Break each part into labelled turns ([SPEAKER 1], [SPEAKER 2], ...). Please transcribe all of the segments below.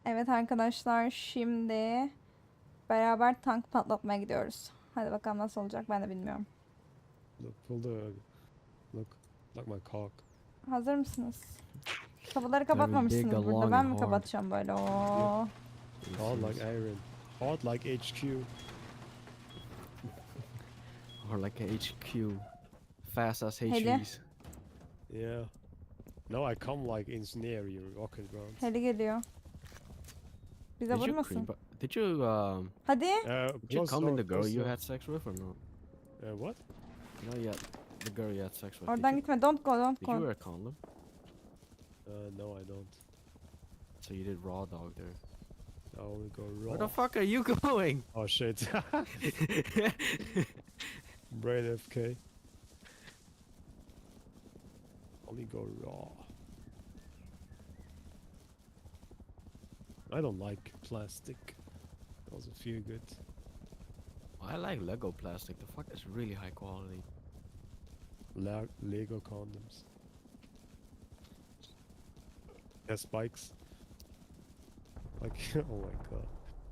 [SPEAKER 1] Evet arkadaşlar, şimdi beraber tank patlatmaya gidiyoruz. Hadi bakalım nasıl olacak, ben de bilmiyorum.
[SPEAKER 2] Look, pull the look like my cock.
[SPEAKER 1] Hazır mısınız? Kapıları
[SPEAKER 3] Very big,
[SPEAKER 1] kapatmamışsınız burada.
[SPEAKER 3] long
[SPEAKER 1] Ben
[SPEAKER 3] and
[SPEAKER 1] mi
[SPEAKER 3] hard.
[SPEAKER 1] kapatacağım böyle? Oo.
[SPEAKER 2] Hard like iron. Hard like HQ.
[SPEAKER 3] Or like a HQ. Fast as
[SPEAKER 1] Heli.
[SPEAKER 3] HEs.
[SPEAKER 2] Yeah. No, I come like incendiary rocket rounds.
[SPEAKER 1] Heli geliyor. Bize
[SPEAKER 3] Did you
[SPEAKER 1] vurmasın.
[SPEAKER 3] Did you
[SPEAKER 1] Hadi.
[SPEAKER 3] did you
[SPEAKER 2] Close
[SPEAKER 3] come in
[SPEAKER 2] door,
[SPEAKER 3] the girl
[SPEAKER 2] close
[SPEAKER 3] you
[SPEAKER 2] door.
[SPEAKER 3] had sex with or no?
[SPEAKER 2] What?
[SPEAKER 3] No, yet. The girl you had sex with.
[SPEAKER 1] Oradan gitme. Don't go, don't
[SPEAKER 3] Did you
[SPEAKER 1] go.
[SPEAKER 3] wear a condom?
[SPEAKER 2] No, I don't.
[SPEAKER 3] So you did raw dog there.
[SPEAKER 2] I only go raw.
[SPEAKER 3] Where the fuck are you going?
[SPEAKER 2] Oh shit. Brain FK. Only go raw. I don't like plastic. Doesn't feel good.
[SPEAKER 3] I like Lego plastic. The fuck is really high quality.
[SPEAKER 2] Lego condoms. Yeah, spikes. Like, oh my god.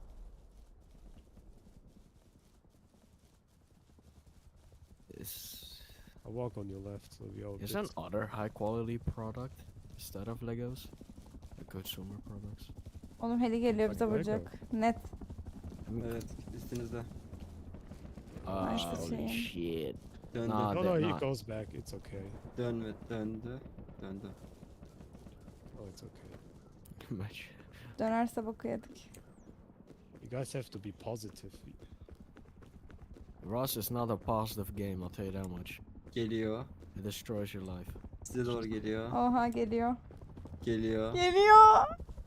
[SPEAKER 2] I walk on your left, so we all
[SPEAKER 3] Is
[SPEAKER 2] bit.
[SPEAKER 3] an other high quality product instead of Legos? The consumer products.
[SPEAKER 1] Oğlum heli geliyor, bize
[SPEAKER 2] Lego.
[SPEAKER 1] vuracak. Net.
[SPEAKER 4] Evet, üstünüzde.
[SPEAKER 1] Nice to
[SPEAKER 3] Holy
[SPEAKER 1] see.
[SPEAKER 3] shit.
[SPEAKER 4] Döndü,
[SPEAKER 3] Nah.
[SPEAKER 2] No,
[SPEAKER 3] they're
[SPEAKER 2] no, he
[SPEAKER 3] not.
[SPEAKER 2] goes back. It's okay.
[SPEAKER 4] döndü, döndü.
[SPEAKER 2] Oh, it's okay.
[SPEAKER 3] Much.
[SPEAKER 1] Dönerse boku yedik.
[SPEAKER 2] You guys have to be positive.
[SPEAKER 3] Rust is not a positive game, I'll tell you that much.
[SPEAKER 4] Geliyor.
[SPEAKER 3] It destroys your life.
[SPEAKER 4] Size doğru geliyor.
[SPEAKER 1] Oha geliyor.
[SPEAKER 4] Geliyor.
[SPEAKER 1] Geliyor.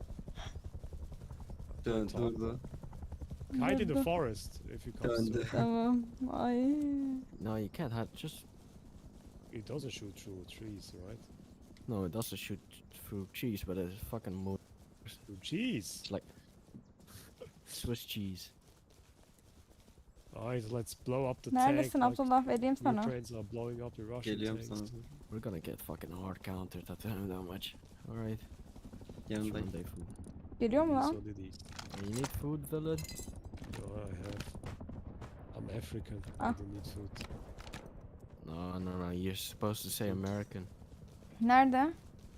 [SPEAKER 4] Dön, durdu.
[SPEAKER 2] Hide in the
[SPEAKER 1] Durdu.
[SPEAKER 2] forest if you come
[SPEAKER 4] Döndü.
[SPEAKER 2] through.
[SPEAKER 1] Tamam. Ay.
[SPEAKER 3] No, you can't have just.
[SPEAKER 2] It doesn't shoot through trees, right?
[SPEAKER 3] No, it doesn't shoot through cheese, but it's fucking
[SPEAKER 2] Through cheese.
[SPEAKER 3] It's like Swiss cheese.
[SPEAKER 2] Alright, let's blow up the
[SPEAKER 1] Neredesin
[SPEAKER 2] tank.
[SPEAKER 1] Abdullah? Vereyim sana.
[SPEAKER 2] Ukrainians are blowing up the Russian
[SPEAKER 4] Geliyorum
[SPEAKER 2] tanks.
[SPEAKER 4] sana.
[SPEAKER 3] We're gonna get fucking hard countered, I tell you that much. Alright.
[SPEAKER 4] Yanındayım.
[SPEAKER 3] Day food.
[SPEAKER 1] Geliyor mu lan?
[SPEAKER 2] So did he.
[SPEAKER 3] You need food, villain?
[SPEAKER 2] No, I have. I'm African. I
[SPEAKER 1] Ah.
[SPEAKER 2] don't need food.
[SPEAKER 3] No. You're supposed to say American.
[SPEAKER 1] Nerede?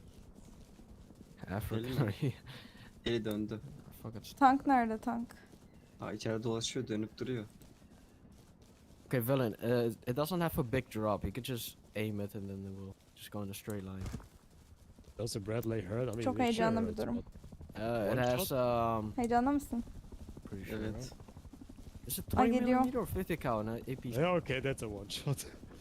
[SPEAKER 3] African, are you?
[SPEAKER 4] Eli döndü.
[SPEAKER 3] Fucking.
[SPEAKER 1] Tank nerede tank?
[SPEAKER 4] Ha, içeride dolaşıyor, dönüp duruyor.
[SPEAKER 3] Okay, villain. It doesn't have a big drop. You could just aim it and then it will just go in a straight line.
[SPEAKER 2] Does the Bradley hurt? I mean,
[SPEAKER 1] Çok
[SPEAKER 2] it sure
[SPEAKER 1] heyecanlı bir
[SPEAKER 2] hurts,
[SPEAKER 1] durum.
[SPEAKER 2] but
[SPEAKER 3] It
[SPEAKER 2] One
[SPEAKER 3] has
[SPEAKER 1] Heyecanlı mısın?
[SPEAKER 3] pretty sure.
[SPEAKER 4] Evet.
[SPEAKER 3] Right? Is it
[SPEAKER 1] Ay,
[SPEAKER 3] 20
[SPEAKER 1] geliyor.
[SPEAKER 3] millimeter or 50 cal in a AP?
[SPEAKER 2] Yeah, okay, that's a one shot.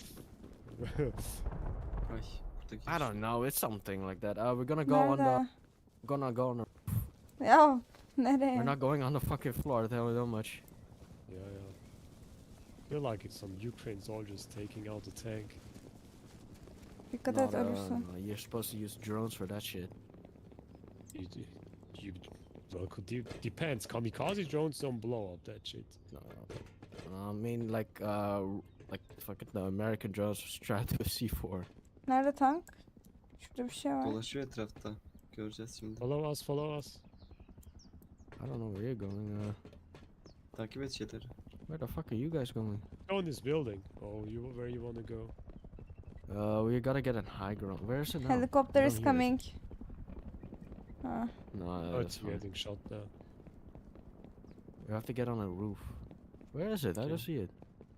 [SPEAKER 4] Ay, buradaki.
[SPEAKER 3] I don't know. It's something like that. We're gonna go on the.
[SPEAKER 1] Nerede?
[SPEAKER 3] Gonna go on.
[SPEAKER 1] Ya nereye?
[SPEAKER 3] We're not going on the fucking floor. Tell you that much.
[SPEAKER 2] Yeah. Feel like it's some Ukraine soldiers taking out the tank.
[SPEAKER 1] Dikkat
[SPEAKER 3] Not,
[SPEAKER 1] et ölürsün.
[SPEAKER 3] no, you're supposed to use drones for that shit.
[SPEAKER 2] You well, depends. Kamikaze drones don't blow up that shit.
[SPEAKER 3] No, I mean like fucking the American drones strapped to a C4.
[SPEAKER 1] Nerede tank? Şurada bir şey var.
[SPEAKER 4] Dolaşıyor etrafta. Göreceğiz şimdi.
[SPEAKER 2] Follow us.
[SPEAKER 3] I don't know where you're going.
[SPEAKER 4] Takip et şeyleri.
[SPEAKER 3] Where the fuck are you guys going?
[SPEAKER 2] Go in this building. Oh, where you wanna go?
[SPEAKER 3] We gotta get a high ground. Where is it now?
[SPEAKER 1] Helicopter
[SPEAKER 3] I
[SPEAKER 1] is
[SPEAKER 3] don't hear it.
[SPEAKER 1] coming. Ha.
[SPEAKER 3] No,
[SPEAKER 2] Oh,
[SPEAKER 3] that's
[SPEAKER 2] it's
[SPEAKER 3] fine.
[SPEAKER 2] getting shot now.
[SPEAKER 3] We have to get on a roof. Where is it? I don't
[SPEAKER 2] Okay.
[SPEAKER 3] see it.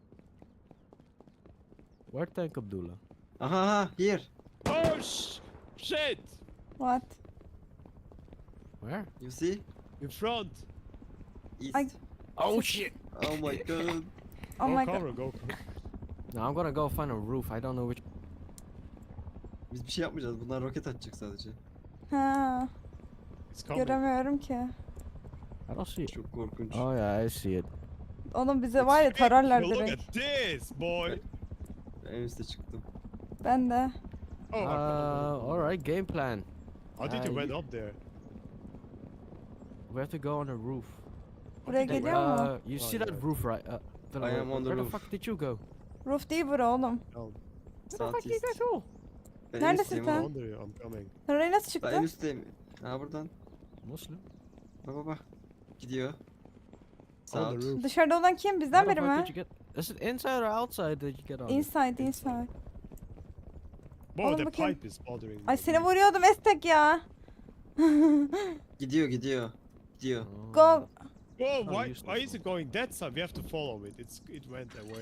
[SPEAKER 3] Where tank Abdullah?
[SPEAKER 4] Aha, here.
[SPEAKER 2] Oh shit!
[SPEAKER 1] What?
[SPEAKER 3] Where?
[SPEAKER 4] You see?
[SPEAKER 2] In front.
[SPEAKER 4] East.
[SPEAKER 1] Ay.
[SPEAKER 3] Oh shit!
[SPEAKER 4] Oh my god.
[SPEAKER 1] Oh
[SPEAKER 2] Go
[SPEAKER 1] my god.
[SPEAKER 2] cover, go cover.
[SPEAKER 3] No, I'm gonna go find a roof. I don't know which.
[SPEAKER 4] Biz bir şey yapmayacağız. Bunlar roket atacak sadece.
[SPEAKER 1] Ha.
[SPEAKER 2] It's coming.
[SPEAKER 1] Göremiyorum ki.
[SPEAKER 3] I don't see it.
[SPEAKER 4] Çok korkunç.
[SPEAKER 3] Oh yeah, I see it.
[SPEAKER 1] Oğlum bize var ya tararlar
[SPEAKER 2] Look
[SPEAKER 1] direkt.
[SPEAKER 2] at this, boy.
[SPEAKER 4] En üste çıktım.
[SPEAKER 1] Ben de.
[SPEAKER 2] Oh,
[SPEAKER 3] Alright, game plan.
[SPEAKER 2] how did you
[SPEAKER 3] you-
[SPEAKER 2] went up there?
[SPEAKER 3] We have to go on a roof.
[SPEAKER 1] Buraya
[SPEAKER 2] did you
[SPEAKER 1] geliyor mu?
[SPEAKER 3] You
[SPEAKER 2] Oh,
[SPEAKER 3] see that
[SPEAKER 2] yeah.
[SPEAKER 3] roof, right? Dylan,
[SPEAKER 4] I am on the
[SPEAKER 3] where
[SPEAKER 4] roof.
[SPEAKER 3] the fuck did you go?
[SPEAKER 1] Roof değil bura oğlum.
[SPEAKER 2] Oh,
[SPEAKER 4] South east.
[SPEAKER 3] go?
[SPEAKER 1] Neredesin
[SPEAKER 4] üstteyim
[SPEAKER 1] sen?
[SPEAKER 4] oğlum.
[SPEAKER 2] wonder I'm coming.
[SPEAKER 1] Sen oraya nasıl
[SPEAKER 4] Ben en
[SPEAKER 1] çıktın?
[SPEAKER 4] üstteyim. Ha buradan.
[SPEAKER 3] Muslim.
[SPEAKER 4] Bak bak bak. Gidiyor.
[SPEAKER 2] On
[SPEAKER 4] Sağ
[SPEAKER 2] the
[SPEAKER 4] ol.
[SPEAKER 2] roof.
[SPEAKER 1] Dışarıda olan kim? Bizden
[SPEAKER 3] How the
[SPEAKER 1] biri
[SPEAKER 3] fuck
[SPEAKER 1] mi?
[SPEAKER 3] did you get? Is it inside or outside that you get on?
[SPEAKER 1] Inside, inside.
[SPEAKER 2] Whoa,
[SPEAKER 1] Oğlum
[SPEAKER 2] the
[SPEAKER 1] bakayım.
[SPEAKER 2] pipe is bothering
[SPEAKER 1] Ay
[SPEAKER 2] my
[SPEAKER 1] seni
[SPEAKER 2] knee.
[SPEAKER 1] vuruyordum Estek ya.
[SPEAKER 4] Gidiyor gidiyor. Gidiyor.
[SPEAKER 3] Oh.
[SPEAKER 1] Go.
[SPEAKER 2] Whoa,
[SPEAKER 3] Oh,
[SPEAKER 2] why
[SPEAKER 3] useless
[SPEAKER 2] is it
[SPEAKER 3] one.
[SPEAKER 2] going that side? We have to follow it. It went away.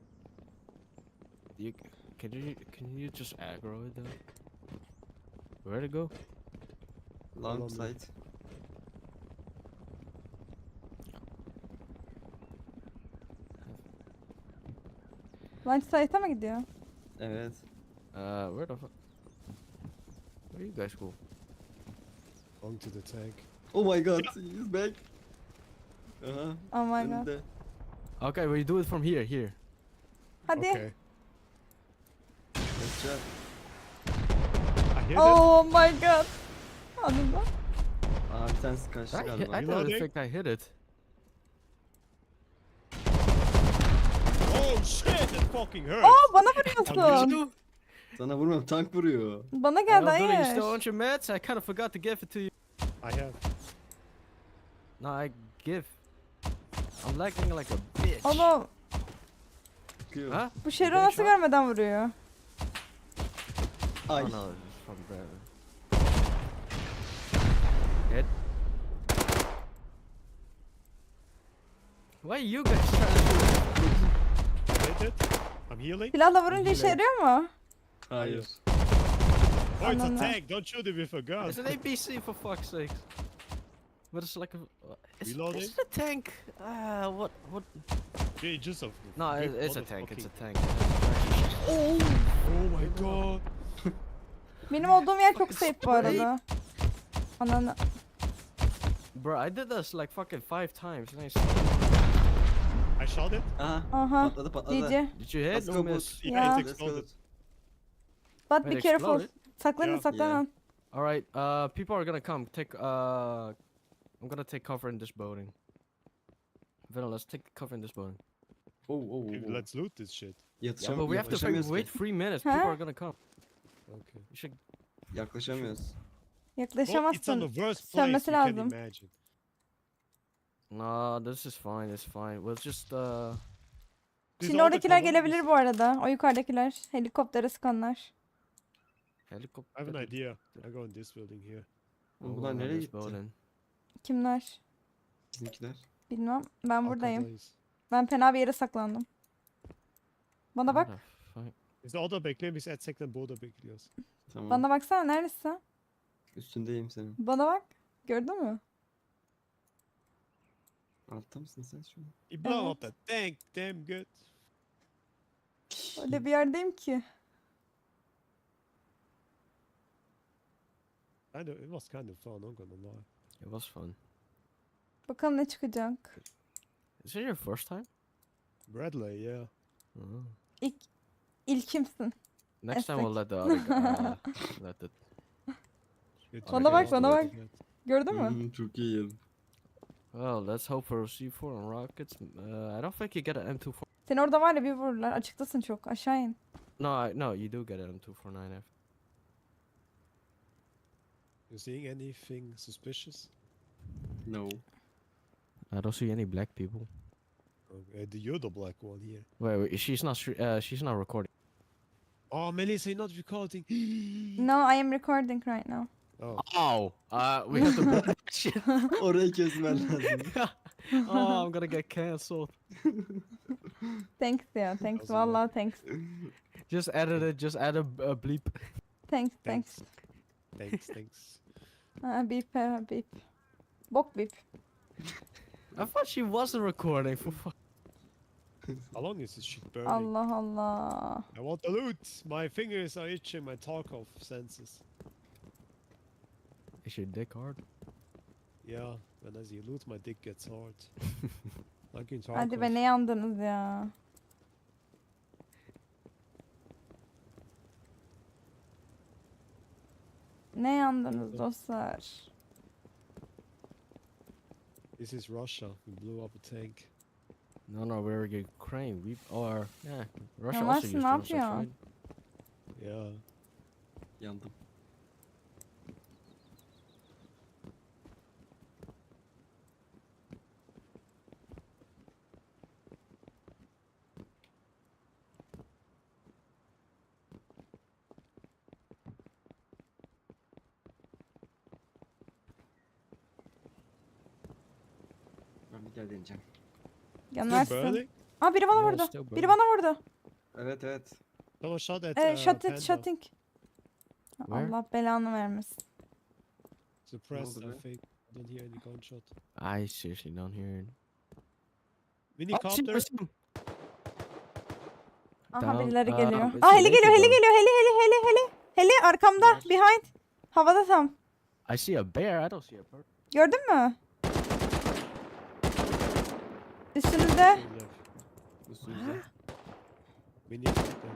[SPEAKER 3] You, can you just aggro it though? Where'd it go?
[SPEAKER 4] Long
[SPEAKER 2] Follow me.
[SPEAKER 4] side.
[SPEAKER 1] Lunch site'a mı gidiyor?
[SPEAKER 4] Evet.
[SPEAKER 3] Where the fuck? Where you guys go?
[SPEAKER 2] Going to the tank.
[SPEAKER 4] Oh my god. He's back. Aha.
[SPEAKER 1] Oh my god.
[SPEAKER 4] Önünde.
[SPEAKER 3] Okay, well you do it from here. Here.
[SPEAKER 1] Hadi.
[SPEAKER 2] Okay.
[SPEAKER 4] Good job.
[SPEAKER 2] I hit it.
[SPEAKER 1] Oh my god. Anında.
[SPEAKER 4] Aa bir tanesi kaçtı
[SPEAKER 3] I, hit,
[SPEAKER 4] galiba.
[SPEAKER 3] I didn't
[SPEAKER 2] Reloading.
[SPEAKER 3] think I hit it.
[SPEAKER 2] Oh shit, that fucking hurts.
[SPEAKER 1] Oo bana
[SPEAKER 2] Abi,
[SPEAKER 1] vuruyorsun.
[SPEAKER 4] Sana vurmam, tank vuruyor.
[SPEAKER 1] Bana
[SPEAKER 3] Hey,
[SPEAKER 1] geldi
[SPEAKER 3] Billy, you still
[SPEAKER 1] hayır.
[SPEAKER 3] on your meds? I kind of forgot to give it to you.
[SPEAKER 2] I have.
[SPEAKER 3] No, I give. I'm lagging like a bitch.
[SPEAKER 1] Oğlum
[SPEAKER 4] Çıkıyor.
[SPEAKER 3] Huh?
[SPEAKER 1] bu Şero
[SPEAKER 3] Getting
[SPEAKER 1] nasıl
[SPEAKER 3] shot?
[SPEAKER 1] görmeden vuruyor?
[SPEAKER 4] Ay.
[SPEAKER 3] Oh no, it's from Brandon. Hit. Why you guys trying to
[SPEAKER 2] Hit it. I'm healing.
[SPEAKER 1] Silahla vurunca işe
[SPEAKER 3] Yine.
[SPEAKER 1] yarıyor mu?
[SPEAKER 4] Hayır.
[SPEAKER 2] Oh, it's a
[SPEAKER 1] Ananı.
[SPEAKER 2] tank. Don't shoot it with a gun.
[SPEAKER 3] It's an APC for fuck's sake. But it's like a.
[SPEAKER 2] Reloading?
[SPEAKER 3] It's a tank. What?
[SPEAKER 2] Yeah, just a.
[SPEAKER 3] No,
[SPEAKER 2] big
[SPEAKER 3] it's a tank. It's a
[SPEAKER 2] motherfucking-
[SPEAKER 3] tank.
[SPEAKER 2] Oh my god.
[SPEAKER 1] Benim olduğum yer çok
[SPEAKER 3] Fucking
[SPEAKER 1] safe bu
[SPEAKER 3] spray.
[SPEAKER 1] arada. Ananı.
[SPEAKER 3] Bro, I did this like fucking 5 times. Nice.
[SPEAKER 2] I shot it.
[SPEAKER 4] Aha.
[SPEAKER 1] Aha.
[SPEAKER 4] Patladı patladı.
[SPEAKER 1] GG.
[SPEAKER 3] Did you hit?
[SPEAKER 4] Let's
[SPEAKER 3] No
[SPEAKER 4] go
[SPEAKER 3] miss.
[SPEAKER 4] boot.
[SPEAKER 2] Yeah,
[SPEAKER 1] Yeah.
[SPEAKER 2] it
[SPEAKER 4] Let's go
[SPEAKER 2] exploded.
[SPEAKER 4] boot.
[SPEAKER 1] But be
[SPEAKER 3] Wait,
[SPEAKER 1] careful.
[SPEAKER 3] exploded?
[SPEAKER 1] Saklanın
[SPEAKER 2] Yeah.
[SPEAKER 1] saklanın.
[SPEAKER 3] Alright, people are gonna come. I'm gonna take cover in this building. Venom, let's take cover in this building.
[SPEAKER 4] Oh oh
[SPEAKER 2] Okay,
[SPEAKER 4] oh.
[SPEAKER 2] let's loot this shit.
[SPEAKER 3] Yeah, but we have to
[SPEAKER 4] Yaklaşamıyoruz
[SPEAKER 3] wait
[SPEAKER 4] ki.
[SPEAKER 3] 3 minutes.
[SPEAKER 1] Huh?
[SPEAKER 3] People are gonna come.
[SPEAKER 2] Okay.
[SPEAKER 3] You should.
[SPEAKER 4] Yaklaşamıyoruz.
[SPEAKER 2] Well, it's on
[SPEAKER 1] Yaklaşamazsın.
[SPEAKER 2] the worst place
[SPEAKER 1] Sönmesi
[SPEAKER 2] you can
[SPEAKER 1] lazım.
[SPEAKER 2] imagine.
[SPEAKER 3] Nah, this is fine. It's fine. We'll just
[SPEAKER 2] These
[SPEAKER 1] Şimdi
[SPEAKER 2] are the
[SPEAKER 1] oradakiler
[SPEAKER 2] colonies.
[SPEAKER 1] gelebilir bu arada. O yukarıdakiler. Helikoptere sıkanlar.
[SPEAKER 3] helicopter.
[SPEAKER 2] I have an idea. I go in this building here.
[SPEAKER 4] Oğlum bunlar nereye gitti?
[SPEAKER 1] Kimler?
[SPEAKER 4] Bizimkiler.
[SPEAKER 1] Bilmem. Ben
[SPEAKER 2] Arka
[SPEAKER 1] buradayım.
[SPEAKER 2] place.
[SPEAKER 1] Ben fena bir yere saklandım. Bana bak.
[SPEAKER 2] Biz orada bekleyin, biz Edsek'ten burada bekliyoruz.
[SPEAKER 4] Tamam.
[SPEAKER 1] Bana baksana neredesin?
[SPEAKER 4] Üstündeyim senin.
[SPEAKER 1] Bana bak. Gördün mü?
[SPEAKER 4] Altta mısın sen şu an?
[SPEAKER 2] He blow
[SPEAKER 1] Evet.
[SPEAKER 2] up that tank, damn good.
[SPEAKER 1] Öyle bir yerdeyim ki.
[SPEAKER 2] It was kind of fun, I'm gonna lie.
[SPEAKER 3] It was fun.
[SPEAKER 1] Bakalım ne çıkacak.
[SPEAKER 3] Is it your first time?
[SPEAKER 2] Bradley, yeah.
[SPEAKER 3] Oh.
[SPEAKER 1] İlkimsin.
[SPEAKER 3] Next time we'll
[SPEAKER 1] Estek.
[SPEAKER 3] let the other guy. Let the.
[SPEAKER 2] It
[SPEAKER 1] Bana
[SPEAKER 2] took
[SPEAKER 1] bak,
[SPEAKER 2] a
[SPEAKER 1] bana
[SPEAKER 2] lot
[SPEAKER 1] bak.
[SPEAKER 2] to get.
[SPEAKER 1] Gördün mü?
[SPEAKER 4] Çok iyi.
[SPEAKER 3] Well, let's hope for C4 and rockets. I don't think you get an M249.
[SPEAKER 1] Seni orada var ya bir vururlar. Açıktasın çok. Aşağı in.
[SPEAKER 3] No, you do get an M249 after.
[SPEAKER 2] You seeing anything suspicious?
[SPEAKER 4] No.
[SPEAKER 3] I don't see any black people.
[SPEAKER 2] Okay, you're the black one here.
[SPEAKER 3] Wait, she's not recording.
[SPEAKER 2] Oh, Melissa, you're not recording.
[SPEAKER 1] No, I am recording right now.
[SPEAKER 2] Oh,
[SPEAKER 3] Oh, we have to put that shit.
[SPEAKER 4] Orayı kesmen lazım.
[SPEAKER 3] Oh, I'm gonna get cancelled.
[SPEAKER 1] Thanks ya. Thanks.
[SPEAKER 2] Doesn't
[SPEAKER 1] Vallahi thanks.
[SPEAKER 3] Just edit it. Just add a bleep.
[SPEAKER 1] Thanks. Thanks.
[SPEAKER 2] thanks.
[SPEAKER 1] Beep. Beep. Bok beep.
[SPEAKER 3] I thought she wasn't recording. For fuck.
[SPEAKER 2] How long is this shit burning?
[SPEAKER 1] Allah Allah.
[SPEAKER 2] I want the loot. My fingers are itching my Tarkov senses.
[SPEAKER 3] Is your dick hard?
[SPEAKER 2] Yeah, when as you loot, my dick gets hard. Like in Tarkov.
[SPEAKER 1] Hadi be ne yandınız ya. Ne yandınız dostlar?
[SPEAKER 2] This is Russia. We blew up a tank.
[SPEAKER 3] No, we're Ukraine. Russia
[SPEAKER 1] Ya
[SPEAKER 3] also
[SPEAKER 1] Mersin,
[SPEAKER 3] used
[SPEAKER 1] ne
[SPEAKER 3] drones, that's
[SPEAKER 1] yapıyorsun?
[SPEAKER 3] right.
[SPEAKER 2] Yeah.
[SPEAKER 4] Yandım. Gel deneyeceğim.
[SPEAKER 2] Still
[SPEAKER 1] Yanlarsın.
[SPEAKER 2] burning?
[SPEAKER 1] Aa biri bana
[SPEAKER 3] Yeah,
[SPEAKER 1] vurdu.
[SPEAKER 3] still
[SPEAKER 1] Biri
[SPEAKER 3] burning.
[SPEAKER 1] bana vurdu.
[SPEAKER 4] Evet evet.
[SPEAKER 2] Someone shot at
[SPEAKER 1] Shot it,
[SPEAKER 2] Panda.
[SPEAKER 1] shooting.
[SPEAKER 3] Where?
[SPEAKER 1] Allah belanı vermesin.
[SPEAKER 2] Suppressed,
[SPEAKER 4] oldu
[SPEAKER 2] I
[SPEAKER 4] be?
[SPEAKER 2] think. I don't hear any gunshot.
[SPEAKER 3] I seriously don't hear it.
[SPEAKER 2] Minicopter.
[SPEAKER 1] Aha
[SPEAKER 3] Down.
[SPEAKER 1] birileri geliyor.
[SPEAKER 3] It's
[SPEAKER 1] Aa
[SPEAKER 3] a
[SPEAKER 1] heli
[SPEAKER 3] naked
[SPEAKER 1] geliyor, heli
[SPEAKER 3] one.
[SPEAKER 1] geliyor, heli. Heli arkamda,
[SPEAKER 3] Where?
[SPEAKER 1] behind. Havada tam.
[SPEAKER 3] I see a bear. I don't see a bird.
[SPEAKER 1] Gördün mü? Üstünüzde.
[SPEAKER 2] Left.
[SPEAKER 4] Üstümüzde.
[SPEAKER 2] Minicopter.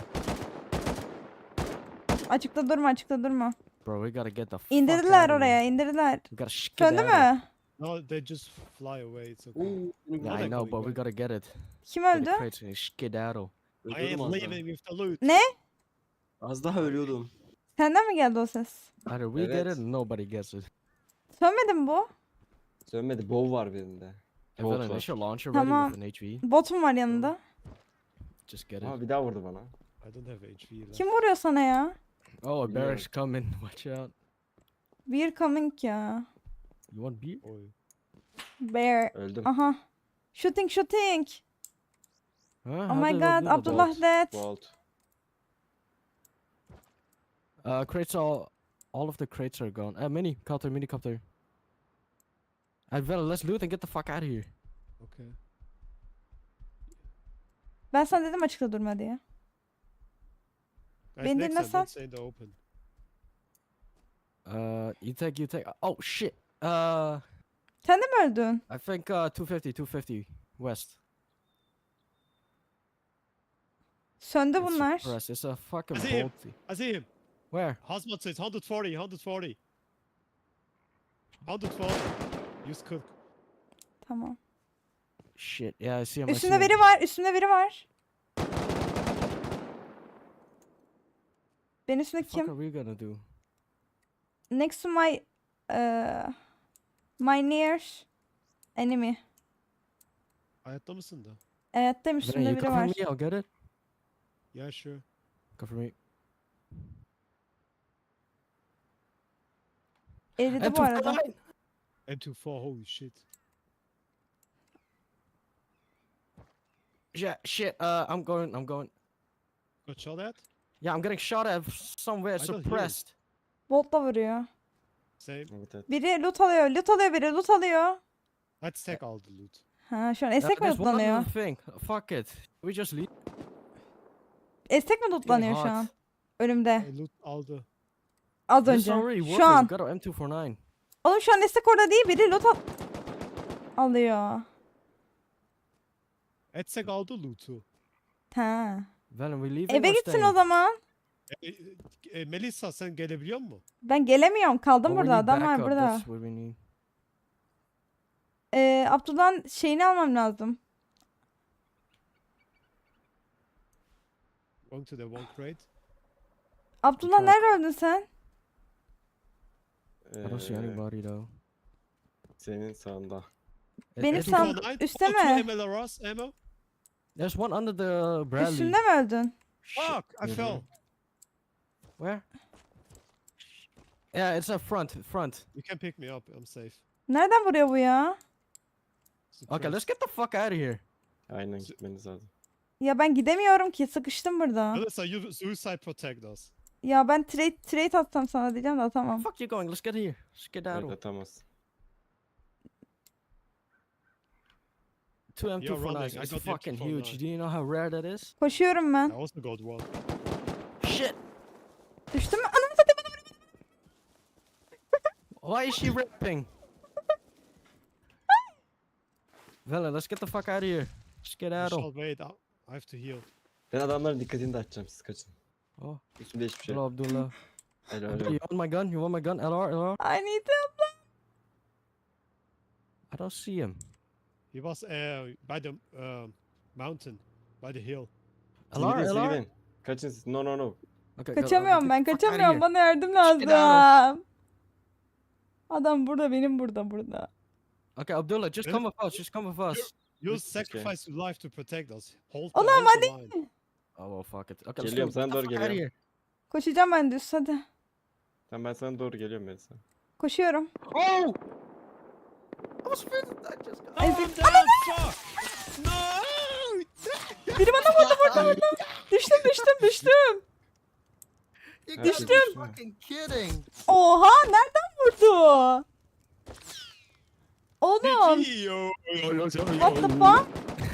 [SPEAKER 1] Açıkta durma, açıkta durma.
[SPEAKER 3] Bro, we gotta get the fuck
[SPEAKER 1] İndirdiler
[SPEAKER 3] outta
[SPEAKER 1] oraya,
[SPEAKER 3] here.
[SPEAKER 1] indirdiler.
[SPEAKER 3] We gotta
[SPEAKER 1] Söndü
[SPEAKER 3] skedaddle.
[SPEAKER 1] mü?
[SPEAKER 2] No, they just fly away. It's okay.
[SPEAKER 4] Oo, benim
[SPEAKER 3] Yeah,
[SPEAKER 2] They're
[SPEAKER 3] I know,
[SPEAKER 2] going
[SPEAKER 3] but we
[SPEAKER 2] away.
[SPEAKER 3] gotta get it.
[SPEAKER 1] Kim
[SPEAKER 3] Get
[SPEAKER 1] öldü?
[SPEAKER 3] the crates and skedaddle.
[SPEAKER 2] I
[SPEAKER 4] ölüyordum
[SPEAKER 2] am
[SPEAKER 4] az daha.
[SPEAKER 2] leaving with the loot.
[SPEAKER 1] Ne?
[SPEAKER 4] Az daha ölüyordum.
[SPEAKER 1] Senden mi geldi o ses?
[SPEAKER 3] Either we get
[SPEAKER 4] Evet.
[SPEAKER 3] it or nobody gets it.
[SPEAKER 1] Sönmedi mi bu?
[SPEAKER 4] Sönmedi. Bow var birinde.
[SPEAKER 3] I
[SPEAKER 4] Bolt
[SPEAKER 3] got an
[SPEAKER 4] var.
[SPEAKER 3] initial launcher ready
[SPEAKER 1] Tamam.
[SPEAKER 3] with an HV.
[SPEAKER 1] Botum var yanında.
[SPEAKER 3] Just get it.
[SPEAKER 4] Aa bir daha vurdu bana.
[SPEAKER 2] I don't have HP left.
[SPEAKER 1] Kim vuruyor sana ya?
[SPEAKER 3] Oh, a bear
[SPEAKER 4] Bilmiyorum.
[SPEAKER 3] is coming. Watch out.
[SPEAKER 1] Beer coming ya.
[SPEAKER 3] You want beer?
[SPEAKER 2] Oy.
[SPEAKER 1] Bear.
[SPEAKER 4] Öldüm.
[SPEAKER 1] Aha. Shooting.
[SPEAKER 3] Huh?
[SPEAKER 1] Oh
[SPEAKER 3] How
[SPEAKER 1] my
[SPEAKER 3] did
[SPEAKER 1] god,
[SPEAKER 3] Abdullah die?
[SPEAKER 1] Abdullah dead.
[SPEAKER 4] Bolt.
[SPEAKER 3] Crates all of the crates are gone. Minicopter. Let's loot and get the fuck out of here.
[SPEAKER 2] Okay.
[SPEAKER 1] Ben sana dedim açıkta durma diye.
[SPEAKER 2] Guys,
[SPEAKER 1] Beni
[SPEAKER 2] next time,
[SPEAKER 1] dinlesen-
[SPEAKER 2] don't stay in the open.
[SPEAKER 3] You take. Oh shit.
[SPEAKER 1] Sen de mi öldün?
[SPEAKER 3] I think 250 west.
[SPEAKER 1] Söndü
[SPEAKER 3] It's
[SPEAKER 1] bunlar.
[SPEAKER 3] suppressed. It's a fucking
[SPEAKER 2] I see him.
[SPEAKER 3] bolty.
[SPEAKER 2] I see him.
[SPEAKER 3] Where?
[SPEAKER 2] Hazmat says 140, 140. 140. Use cook.
[SPEAKER 1] Tamam.
[SPEAKER 3] Shit. Yeah, I see him. I see
[SPEAKER 1] Üstünde
[SPEAKER 3] him.
[SPEAKER 1] biri var. Üstünde biri var. Benim üstümde
[SPEAKER 3] What the fuck
[SPEAKER 1] kim?
[SPEAKER 3] are we gonna do?
[SPEAKER 1] Next to my my near enemy.
[SPEAKER 2] Hayatta mısın da?
[SPEAKER 1] Hayattayım,
[SPEAKER 3] Vinny,
[SPEAKER 1] üstümde
[SPEAKER 3] you
[SPEAKER 1] biri
[SPEAKER 3] cover
[SPEAKER 1] var.
[SPEAKER 3] me. I'll get it.
[SPEAKER 2] Yeah, sure.
[SPEAKER 3] Cover me.
[SPEAKER 1] Eridi bu arada.
[SPEAKER 3] M249.
[SPEAKER 2] M24, holy shit.
[SPEAKER 3] Yeah, shit. I'm going.
[SPEAKER 2] Got shot at?
[SPEAKER 3] Yeah, I'm getting shot at somewhere
[SPEAKER 2] I don't hear it.
[SPEAKER 3] suppressed.
[SPEAKER 1] Bolt'la vuruyor.
[SPEAKER 2] Same.
[SPEAKER 4] Evet evet.
[SPEAKER 1] Biri loot alıyor. Biri loot alıyor.
[SPEAKER 2] Let's take all the loot.
[SPEAKER 1] Ha şu an estek mi
[SPEAKER 3] There's one
[SPEAKER 1] lootlanıyor?
[SPEAKER 3] other thing. Fuck it. We just leave.
[SPEAKER 1] Estek mi lootlanıyor şu
[SPEAKER 3] hot.
[SPEAKER 1] an? Önümde.
[SPEAKER 2] I loot all the...
[SPEAKER 1] Az
[SPEAKER 3] This
[SPEAKER 1] önce.
[SPEAKER 3] already working.
[SPEAKER 1] Şu an.
[SPEAKER 3] We got our M249.
[SPEAKER 1] Oğlum şu an estek orada değil. Biri loot alıyor.
[SPEAKER 2] Let's take all the loot'u.
[SPEAKER 1] Ha.
[SPEAKER 3] Venom, we leaving
[SPEAKER 1] Eve
[SPEAKER 3] or
[SPEAKER 1] gitsin
[SPEAKER 3] staying?
[SPEAKER 1] o zaman.
[SPEAKER 2] Melissa sen gelebiliyor musun?
[SPEAKER 1] Ben gelemiyorum. Kaldım
[SPEAKER 3] But we
[SPEAKER 1] burada.
[SPEAKER 3] need
[SPEAKER 1] Adam var
[SPEAKER 3] backup,
[SPEAKER 1] burada.
[SPEAKER 3] That's what we need.
[SPEAKER 1] Abdullah'ın şeyini almam lazım.
[SPEAKER 2] Going to the one crate.
[SPEAKER 1] Abdullah
[SPEAKER 3] Truck.
[SPEAKER 1] nerede öldün sen?
[SPEAKER 3] I don't see anybody though.
[SPEAKER 4] Senin sağında.
[SPEAKER 1] Benim
[SPEAKER 3] It's-
[SPEAKER 1] sağ-
[SPEAKER 2] Oh,
[SPEAKER 1] üstte
[SPEAKER 2] two
[SPEAKER 1] mi?
[SPEAKER 2] MLRS ammo.
[SPEAKER 3] There's one under the Bradley.
[SPEAKER 1] Üstünde mi öldün?
[SPEAKER 3] Shit.
[SPEAKER 2] Fuck, I fell.
[SPEAKER 3] Where? Yeah, it's a front.
[SPEAKER 2] You can pick me up, I'm safe.
[SPEAKER 1] Nereden vuruyor bu ya?
[SPEAKER 3] Okay, let's get the fuck out of here.
[SPEAKER 4] Aynen gitmeniz lazım.
[SPEAKER 1] Ya ben gidemiyorum ki. Sıkıştım burada.
[SPEAKER 2] Melissa, you suicide protect us.
[SPEAKER 1] Ya ben trade atsam sana diyeceğim de atamam.
[SPEAKER 3] Fuck you going? Let's get here. Let's get out
[SPEAKER 4] Evet
[SPEAKER 3] of
[SPEAKER 4] atamaz.
[SPEAKER 3] two
[SPEAKER 2] You're running,
[SPEAKER 3] M249s.
[SPEAKER 2] I
[SPEAKER 3] It's
[SPEAKER 2] got the
[SPEAKER 3] fucking
[SPEAKER 2] M249.
[SPEAKER 3] huge. Do you know how rare that is?
[SPEAKER 1] Koşuyorum
[SPEAKER 2] I
[SPEAKER 1] ben.
[SPEAKER 2] also got one.
[SPEAKER 3] Shit.
[SPEAKER 1] Düştüm mü? Ananı satayım, bana vuruyor.
[SPEAKER 3] Why is she rapping? Vela, let's get the fuck out of here. Let's get out of.
[SPEAKER 2] Michelle, wait, I have to heal.
[SPEAKER 4] Ben adamların dikkatini dağıtacağım, siz kaçın.
[SPEAKER 3] Oh,
[SPEAKER 4] Üstümde hiçbir şey.
[SPEAKER 3] hello Abdullah.
[SPEAKER 4] Helal
[SPEAKER 3] You
[SPEAKER 4] helal.
[SPEAKER 3] want my gun? You want my gun? LR?
[SPEAKER 1] I need help.
[SPEAKER 3] I don't see him.
[SPEAKER 2] He was by the mountain, by the hill.
[SPEAKER 4] Siz gidin, siz
[SPEAKER 3] LR?
[SPEAKER 4] gidin. Kaçın siz. No no no.
[SPEAKER 3] Okay, go,
[SPEAKER 1] Kaçamıyorum
[SPEAKER 3] get
[SPEAKER 1] ben.
[SPEAKER 3] the fuck outta
[SPEAKER 1] Kaçamıyorum.
[SPEAKER 3] here.
[SPEAKER 1] Bana yardım
[SPEAKER 3] Get out
[SPEAKER 1] lazım. Adam burada, benim burada.
[SPEAKER 3] Okay, Abdullah, just
[SPEAKER 2] Really?
[SPEAKER 3] come with us. Just come with us.
[SPEAKER 2] You
[SPEAKER 4] Okay.
[SPEAKER 2] sacrifice your life to protect us. Hold
[SPEAKER 1] Oğlum,
[SPEAKER 2] hold the line.
[SPEAKER 3] Oh well, fuck it. Okay, let's
[SPEAKER 4] Geliyorum,
[SPEAKER 3] go.
[SPEAKER 4] sana
[SPEAKER 3] Get the
[SPEAKER 4] doğru
[SPEAKER 3] fuck outta
[SPEAKER 4] geliyorum.
[SPEAKER 3] here.
[SPEAKER 1] Koşacağım ben düz, hadi.
[SPEAKER 4] Tamam ben sana doğru geliyorum Melisa.
[SPEAKER 1] Koşuyorum.
[SPEAKER 3] Oh! was finished. I just got.
[SPEAKER 2] Oh, I'm
[SPEAKER 1] Ezik.
[SPEAKER 2] down! Fuck! No!
[SPEAKER 1] Biri bana vurdu. Düştüm.
[SPEAKER 3] You
[SPEAKER 4] Her
[SPEAKER 3] gotta
[SPEAKER 4] şey
[SPEAKER 3] be
[SPEAKER 4] düştü.
[SPEAKER 3] fucking kidding.
[SPEAKER 1] Oha nereden vurdu? Oğlum. What the fuck?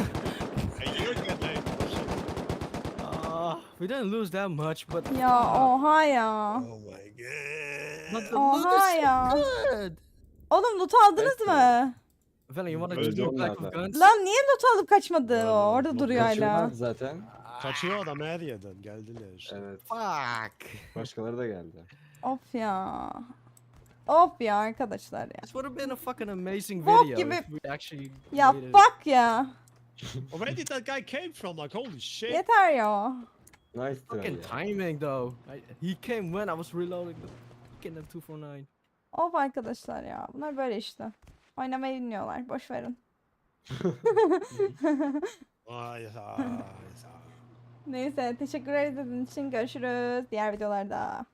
[SPEAKER 3] We didn't lose that much, but
[SPEAKER 1] Ya oha ya.
[SPEAKER 2] Oh my god.
[SPEAKER 3] but the
[SPEAKER 1] Oha
[SPEAKER 3] loot is
[SPEAKER 1] ya.
[SPEAKER 3] so good.
[SPEAKER 1] Oğlum loot aldınız mı?
[SPEAKER 3] Velen, you wanna
[SPEAKER 2] Öldü
[SPEAKER 3] just go
[SPEAKER 4] onlar
[SPEAKER 3] back with
[SPEAKER 4] da.
[SPEAKER 3] guns?
[SPEAKER 1] Lan niye loot alıp kaçmadı
[SPEAKER 2] Lan,
[SPEAKER 1] o?
[SPEAKER 2] lan,
[SPEAKER 1] Orada
[SPEAKER 2] lan,
[SPEAKER 1] duruyor hala.
[SPEAKER 4] Kaçıyorlardı zaten.
[SPEAKER 2] Kaçıyor adam her yerden. Geldiler işte.
[SPEAKER 4] Evet.
[SPEAKER 3] Fuck.
[SPEAKER 4] Başkaları da geldi.
[SPEAKER 1] Of ya. Of ya arkadaşlar ya.
[SPEAKER 3] This would have been a fucking amazing
[SPEAKER 1] Bok
[SPEAKER 3] video
[SPEAKER 1] gibi-
[SPEAKER 3] if we actually
[SPEAKER 1] Ya
[SPEAKER 3] made it.
[SPEAKER 1] bak ya.
[SPEAKER 2] Where did that guy came from? Like holy shit.
[SPEAKER 1] Yeter ya.
[SPEAKER 4] Nice try
[SPEAKER 3] Fucking
[SPEAKER 4] ya.
[SPEAKER 3] timing though. He came when I was reloading the fucking M249.
[SPEAKER 1] Of arkadaşlar ya. Bunlar böyle işte. Oynamayı bilmiyorlar. Boş verin.
[SPEAKER 2] Ay, ay, ay.
[SPEAKER 1] Neyse teşekkür ederiz için görüşürüz diğer videolarda.